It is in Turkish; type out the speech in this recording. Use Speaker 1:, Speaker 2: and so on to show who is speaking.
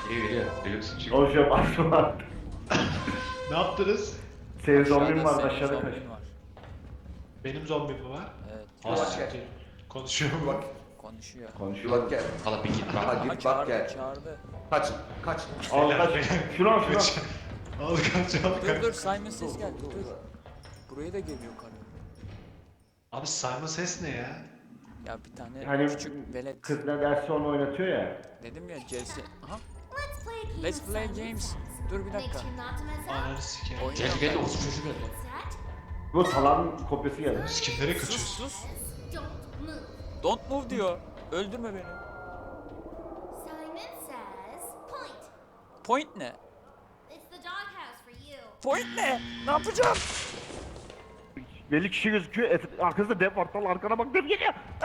Speaker 1: Geliyor. Deluxe çık.
Speaker 2: Konuşuyorum aklıma.
Speaker 3: Ne yaptınız?
Speaker 2: Senin zombin
Speaker 4: Aşağıda
Speaker 2: var
Speaker 4: senin
Speaker 2: aşağıda
Speaker 4: zombin
Speaker 2: kaç.
Speaker 4: var.
Speaker 3: Benim zombim mi var?
Speaker 4: Evet.
Speaker 1: Aa,
Speaker 3: Siktir. Konuşuyor
Speaker 5: Bak,
Speaker 4: Konuşuyor.
Speaker 2: Konuşuyor.
Speaker 5: bak gel.
Speaker 1: Valla bir git
Speaker 5: Ha
Speaker 1: bak.
Speaker 5: git
Speaker 4: Aha,
Speaker 5: bak
Speaker 4: çağırdı,
Speaker 5: gel.
Speaker 4: çağırdı.
Speaker 5: Kaç, kaç.
Speaker 2: Al kaç. Şunu al şunu al.
Speaker 3: Al kaç, al
Speaker 4: Dur
Speaker 3: kaç.
Speaker 4: dur Simon ses geldi dur. Buraya da geliyor karı.
Speaker 3: Abi Simon ses ne ya?
Speaker 4: Ya bir tane
Speaker 2: Hani
Speaker 4: küçük velet.
Speaker 2: kız ne derse onu oynatıyor ya.
Speaker 4: Dedim ya Chelsea. Aha.
Speaker 6: Let's play a game
Speaker 4: Let's
Speaker 6: of
Speaker 4: play
Speaker 6: Simon
Speaker 4: games.
Speaker 6: Says.
Speaker 4: Dur bir
Speaker 6: Make
Speaker 4: dakika.
Speaker 6: sure not to mess up.
Speaker 3: Ananı sikeyim.
Speaker 4: Oyun
Speaker 1: Gel
Speaker 4: yok
Speaker 1: gel
Speaker 4: bende.
Speaker 1: olsun çocuk geldi.
Speaker 6: Set.
Speaker 2: Bu salan kopyası geldi.
Speaker 3: Biz kimlere
Speaker 4: Sus
Speaker 3: kaçıyoruz?
Speaker 4: sus.
Speaker 6: Don't move.
Speaker 4: Don't move diyor. Öldürme beni.
Speaker 6: Simon says point.
Speaker 4: Point ne?
Speaker 6: It's the doghouse for you.
Speaker 4: Point ne? Ne yapacağım?
Speaker 2: Belli kişi gözüküyor. Arkasında dev var. Tal arkana bak dev geliyor.